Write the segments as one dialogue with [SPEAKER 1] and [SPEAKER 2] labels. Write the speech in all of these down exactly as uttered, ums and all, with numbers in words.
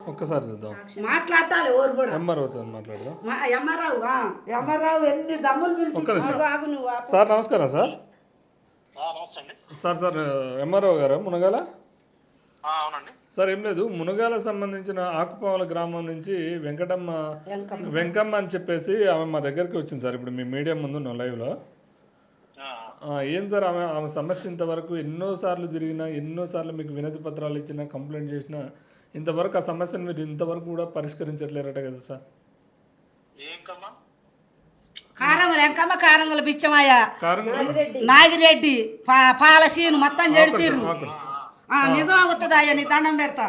[SPEAKER 1] ఒక్కసారి చూద్దాం.
[SPEAKER 2] మాట్లాడాలి ఎవరు కూడా
[SPEAKER 1] ఎంఆర్ఓతో మాట్లాడదాం.
[SPEAKER 2] ఎంఆర్రావు ఎంఆర్రావు ఎన్ని దమ్ములు
[SPEAKER 1] ఒక్క నిమిషం.
[SPEAKER 2] పిలిచి ఆగు నువ్వు ఆపు.
[SPEAKER 1] సార్ నమస్కారం సార్. సార్ సార్ ఎంఆర్ఓ గారు మునగాల?
[SPEAKER 3] అవునండి
[SPEAKER 1] సార్ ఏం లేదు, మునగాల సంబంధించిన ఆకుపావల గ్రామం నుంచి వెంకటమ్మ
[SPEAKER 2] వెంకమ్మ.
[SPEAKER 1] వెంకమ్మ అని చెప్పేసి ఆమె మా దగ్గరికి వచ్చింది సార్. ఇప్పుడు మీ మీడియా ముందు ఉన్నాం లైవ్లో. ఏం సార్ ఆమె ఆమె సమస్య ఇంతవరకు ఎన్నోసార్లు జరిగినా, ఎన్నోసార్లు మీకు వినతి పత్రాలు ఇచ్చినా, కంప్లైంట్ చేసినా ఇంతవరకు ఆ సమస్యను మీరు ఇంతవరకు కూడా పరిష్కరించట్లేరట కదా సార్?
[SPEAKER 2] కారంగులు ఎంకమ్మ కారంగుల బిచ్చమయ్య
[SPEAKER 1] కారణం
[SPEAKER 2] నాగిరెడ్డి పా- పాలసీను మొత్తం చెడిపిర్రు. ఆ, నిజం అవుతుందా నీ దండం పెడతా.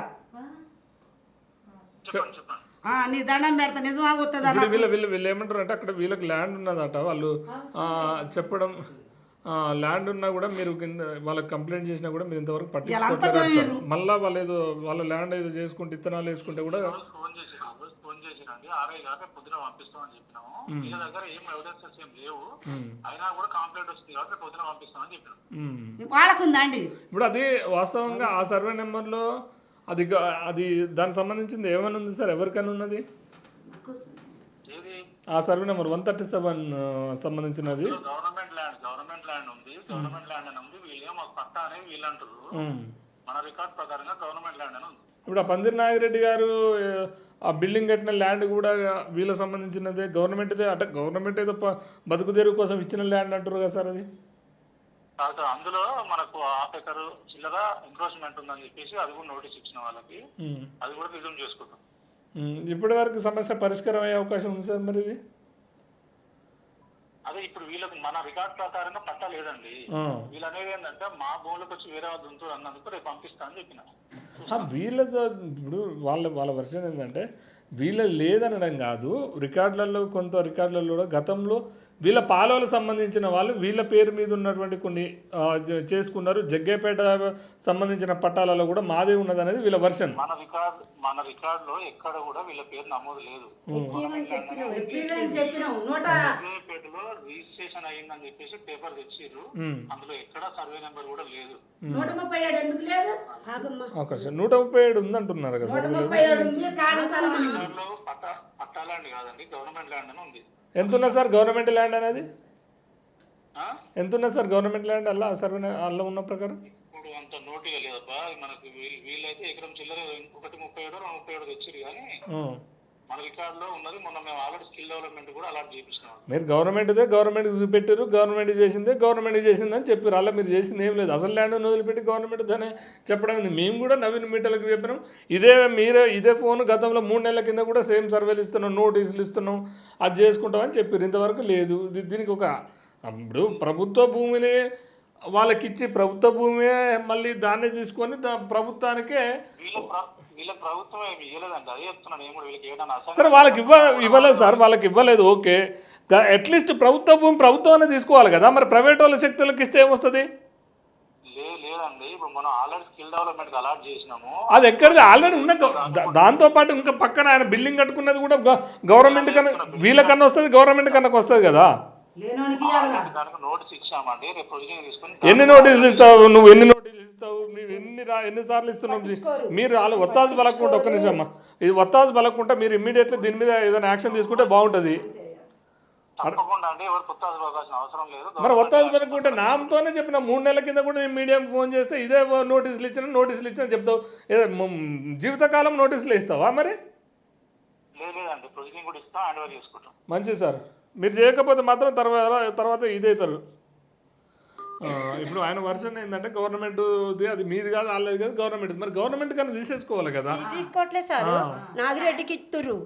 [SPEAKER 2] ఆ, నీ దండం పెడతా నిజం అవుతుందా?
[SPEAKER 1] ఇప్పుడు వీళ్ళ వీళ్ళు వీళ్ళు ఏమంటారు అంటే అక్కడ వీళ్ళకి ల్యాండ్ ఉన్నదట. వాళ్ళు ఆ, చెప్పడం ల్యాండ్ ఉన్నా కూడా మీరు కింద వాళ్ళకి కంప్లైంట్ చేసినా కూడా మీరు ఇంతవరకు పట్టించుకోవట్లేదు సార్. మళ్ళీ వాళ్ళు ఏదో వాళ్ళ ల్యాండ్ ఏదో చేసుకుంటే ఇత్తనాలు వేసుకుంటే కూడా
[SPEAKER 3] ఫోన్ చేసి ఫోన్ చేసిరండి ఆర్ఐ గారు పొద్దున పంపిస్తామని చెప్పినాము. వీళ్ళ దగ్గర ఏం ఎవిడెన్సెస్ ఏం లేవు, అయినా కూడా కంప్లైంట్ వస్తుంది కాబట్టి పొద్దున పంపిస్తామని చెప్పినాం.
[SPEAKER 2] వాళ్ళకుందా అండి
[SPEAKER 1] ఇప్పుడు అది వాస్తవంగా ఆ సర్వే నెంబర్లో అది గ- అది దానికి సంబంధించింది ఏమైనా ఉంది సార్? ఎవరికైనా ఉన్నది
[SPEAKER 3] ఏది
[SPEAKER 1] ఆ survey number one thirty seven సంబంధించినది?
[SPEAKER 3] గవర్నమెంట్ ల్యాండ్ గవర్నమెంట్ ల్యాండ్ ఉంది, గవర్నమెంట్ ల్యాండ్ అని ఉంది. వీళ్ళే మాకు పట్టా అనేది వీళ్ళు అంటారు.
[SPEAKER 1] ఉమ్.
[SPEAKER 3] మన రికార్డ్ ప్రకారంగా గవర్నమెంట్ ల్యాండ్ అని ఉంది.
[SPEAKER 1] ఇప్పుడు ఆ పందిరి నాగిరెడ్డి గారు ఆ బిల్డింగ్ కట్టిన ల్యాండ్ కూడా వీళ్ళకి సంబంధించినదే, గవర్నమెంట్దే. అంటే గవర్నమెంట్ ఏదో ప- బతుకు తెరువు కోసం ఇచ్చిన ల్యాండ్ అంటారు కదా సార్ అది?
[SPEAKER 3] కాదు, అందులో మనకు హాఫ్ ఎకర్ చిల్లర ఎంక్రోచ్మెంట్ ఉందని చెప్పేసి అది కూడా నోటీస్ ఇచ్చిన వాళ్ళకి,
[SPEAKER 1] ఉమ్.
[SPEAKER 3] అది కూడా రిజ్యూమ్ చేసుకుంటాం.
[SPEAKER 1] ఉమ్. ఇప్పటి వరకు సమస్య పరిష్కారం అయ్యే అవకాశం ఉంది సార్ మరి ఇది?
[SPEAKER 3] అదే ఇప్పుడు వీళ్ళకి మన రికార్డ్ ప్రకారంగా పట్టా లేదండి.
[SPEAKER 1] ఆ.
[SPEAKER 3] వీళ్ళు అనేది ఏంటంటే మా భూములకు వచ్చి వేరే వాళ్ళు దుంతులు అన్నందుకు రేపు పంపిస్తా అని చెప్పిన.
[SPEAKER 1] ఆ, వీళ్ళతో ఇప్పుడు వాళ్ళ వాళ్ళ వర్షన్ ఏంటంటే వీళ్ళ లేదనడం కాదు, రికార్డులలో కొంత రికార్డులలో కూడా గతంలో వీళ్ళ పాలవలకు సంబంధించిన వాళ్ళు వీళ్ళ పేరు మీద ఉన్నటువంటి కొన్ని ఆ, జ- చేసుకున్నారు. జగ్గేపేట సంబంధించిన పట్టాలలో కూడా మాదే ఉన్నది అనేది వీళ్ళ వర్షన్.
[SPEAKER 3] మన రికార్డ్ మన రికార్డ్ లో ఎక్కడ కూడా వీళ్ళ పేరు నమోదు లేదు.
[SPEAKER 2] చెప్పినావు నూట
[SPEAKER 3] జగ్గేపేటలో రిజిస్ట్రేషన్ అయ్యిందని చెప్పేసి పేపర్ తెచ్చిర్రు,
[SPEAKER 1] ఉమ్.
[SPEAKER 3] అందులో ఎక్కడ సర్వే నెంబర్ కూడా లేదు.
[SPEAKER 2] నూట ముప్పై ఏడు ఎందుకు లేదు? ఆగమ్మా.
[SPEAKER 1] అవకాశం నూట ముప్పై ఏడు ఉందంటున్నారు కదా
[SPEAKER 2] నూట
[SPEAKER 1] సార్ వీళ్ళు.
[SPEAKER 2] ముప్పై ఏడు ఉంది ఖాళీ స్థలం ఉంది.
[SPEAKER 3] రికార్డులో పట్టా పట్టా ల్యాండ్ కాదండి, గవర్నమెంట్ ల్యాండ్ అని ఉంది.
[SPEAKER 1] ఎంత ఉన్నది సార్ గవర్నమెంట్ ల్యాండ్ అనేది?
[SPEAKER 3] ఆ?
[SPEAKER 1] ఎంత ఉన్నది సార్ గవర్నమెంట్ ల్యాండ్ అలా సర్వే అలా ఉన్న ప్రకారం?
[SPEAKER 3] ఇప్పుడు అంత నోటిగా లేదప్ప. మనకి వీళ్ళు- వీళ్ళైతే ఎకరం చిల్లర ఒకటి ముప్పై ఏడు రెండు ముప్పై ఏడు తెచ్చిరు, కానీ
[SPEAKER 1] ఉమ్.
[SPEAKER 3] మన రికార్డ్ లో ఉన్నది. మొన్న మేము ఆల్రెడీ స్కిల్ డెవలప్మెంట్ కూడా అలాట్ చేయించినాం.
[SPEAKER 1] మీరు గవర్నమెంట్దే గవర్నమెంట్కి చూపెట్టారు, గవర్నమెంట్ చేసిందే గవర్నమెంట్ చేసింది అని చెప్పారు. అలా మీరు చేసింది ఏం లేదు. అసలు ల్యాండ్ వదిలిపెట్టి గవర్నమెంట్ దాన్ని చెప్పడం ఉంది. మేము కూడా నవీన్ మీటర్లకు చెప్పినాం. ఇదే మీరే ఇదే ఫోన్ గతంలో మూడు నెలల కింద కూడా సేమ్ సర్వేలు ఇస్తున్నాం, నోటీసులు ఇస్తున్నాం, అది చేసుకుంటామని చెప్పారు. ఇంతవరకు లేదు. దీ- దీనికి ఒక ఇప్పుడు ప్రభుత్వ భూమిని వాళ్ళకిచ్చి ప్రభుత్వ భూమి మళ్ళీ దాన్నే తీసుకొని దా ప్రభుత్వానికే
[SPEAKER 3] వీళ్ళ ప్ర- వీళ్ళ ప్రభుత్వం ఏమి ఇవ్వలేదండి, అదే చెప్తున్నాను నేను కూడా. వీళ్ళకి ఏదైనా
[SPEAKER 1] సరే వాళ్ళకి ఇవ్వ ఇవ్వలేదు సార్, వాళ్ళకి ఇవ్వలేదు ఓకే. అట్లీస్ట్ ప్రభుత్వ భూమి ప్రభుత్వాన్ని తీసుకోవాలి కదా. మరి ప్రైవేట్ వాళ్ళ శక్తులకు ఇస్తే ఏమొస్తుంది?
[SPEAKER 3] లే లేదండి ఇప్పుడు మనం ఆల్రెడీ స్కిల్ డెవలప్మెంట్ అలాట్ చేసినాము.
[SPEAKER 1] అది ఎక్కడిది ఆల్రెడీ ఉన్న గ- దా- దాంతోపాటు ఇంకా పక్కన ఆయన బిల్డింగ్ కట్టుకున్నది కూడా గ- గవర్నమెంట్ కన్నా వీళ్ళకన్నా వస్తుంది, గవర్నమెంట్ కన్నా వస్తుంది కదా.
[SPEAKER 2] లేనోనికి ఇవ్వాలిగా.
[SPEAKER 3] దానికి నోటీస్ ఇచ్చామండి, రేపు ప్రొసీజర్ తీసుకొని
[SPEAKER 1] ఎన్ని నోటీసులు ఇస్తావు నువ్వు? ఎన్ని నోటీసులు ఇస్తావు? మీరు ఎన్ని రా ఎన్నిసార్లు ఇస్తున్నావు? మీరు వాళ్ళు ఒత్తాసు బలకుంటే ఒక్క నిమిషం అమ్మా, ఇది ఒత్తాసు బలకుంటే మీరు ఇమ్మీడియట్లీ దీని మీద ఏదైనా యాక్షన్ తీసుకుంటే బాగుంటుంది.
[SPEAKER 3] తప్పకుండా అండి, ఎవరు కొత్త అవకాశం అవసరం లేదు.
[SPEAKER 1] మరి ఒత్తాసు బలకుంటే నామతోనే చెప్పిన మూడు నెలల కింద కూడా నేను మీడియాకి ఫోన్ చేస్తే ఇదే నోటీసులు ఇచ్చిన నోటీసులు ఇచ్చిన చెప్తావు. ఏదో మ- జీవితకాలం నోటీసులు ఇస్తావా మరి?
[SPEAKER 3] లేదు లేదండి, ప్రొసీజర్ కూడా ఇస్తాం, హ్యాండ్ ఓవర్ చేసుకుంటాం.
[SPEAKER 1] మంచిది సార్. మీరు చేయకపోతే మాత్రం తర్వాత తర్వాత ఇదవుతారు. ఇప్పుడు ఆయన వర్షన్ ఏంటంటే గవర్నమెంట్ అది మీది కాదు వాళ్ళది కాదు గవర్నమెంట్. మరి గవర్నమెంట్ కన్నా తీసేసుకోవాలి కదా.
[SPEAKER 4] తీసుకోవట్లేదు సార్, నాగిరెడ్డికి ఇస్తుర్రు.